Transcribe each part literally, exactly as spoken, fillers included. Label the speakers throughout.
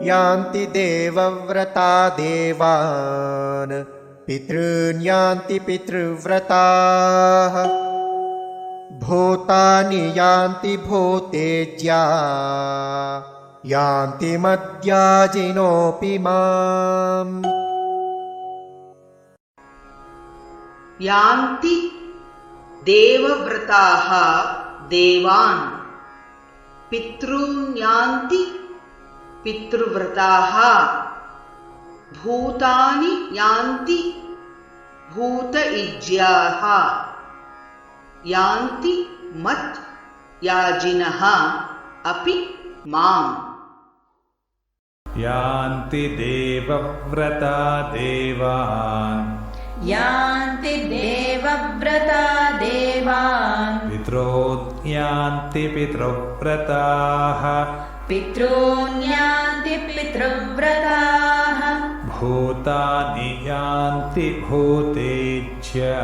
Speaker 1: यान्ति देवव्रता देवान् पितॄन् यान्ति पितृव्रताः भूतानि यान्ति भूतेज्या यान्ति मद्याजिनोऽपि माम्
Speaker 2: यान्ति देवव्रताः देवान् पितॄन् यान्ति पितृव्रताः भूतानि यान्ति भूतइज्याः यान्ति मत् याजिनः अपि माम्
Speaker 3: यान्ति देवव्रता देवान्
Speaker 4: यान्ति देवव्रता देवान्
Speaker 3: पितॄन् यान्ति पितृव्रताः
Speaker 4: पितॄन् यान्ति पितृव्रताः
Speaker 3: भूतानि यान्ति भूतेज्या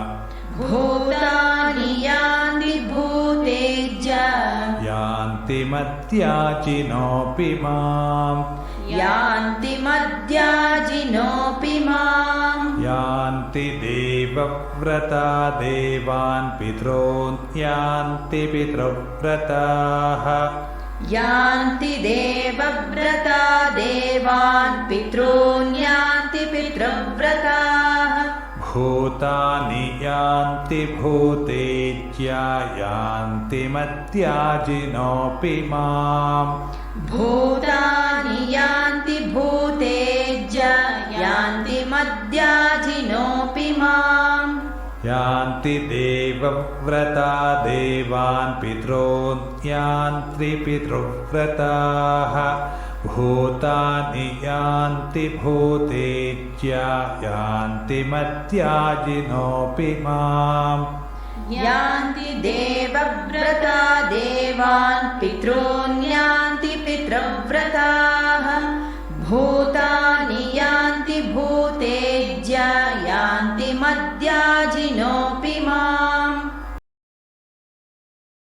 Speaker 4: भूतानि यान्ति भूतेज्या
Speaker 3: यान्ति मद्याजिनोऽपि माम्
Speaker 4: यान्ति मद्याजिनोऽपि माम्
Speaker 3: यान्ति देवव्रता देवान् पितॄन् यान्ति पितृव्रताः
Speaker 4: यान्ति देवव्रता देवान् पितॄन् यान्ति पितृव्रताः
Speaker 3: भूतानि यान्ति भूतेज्या यान्ति मद्याजिनोऽपि माम्
Speaker 4: भूतानि यान्ति भूतेज्या यान्ति मद्याजिनोऽपि माम्
Speaker 3: यान्ति देवव्रता देवान् पितॄन् यान्ति पितृव्रताः भूतानि यान्ति भूतेज्या यान्ति मद्याजिनोऽपि माम्
Speaker 4: यान्ति देवव्रता देवान् पितॄन् यान्ति पितृव्रताः भूतानि यान्ति भूतेज्या यान्ति मद्याजिनोऽपि माम्।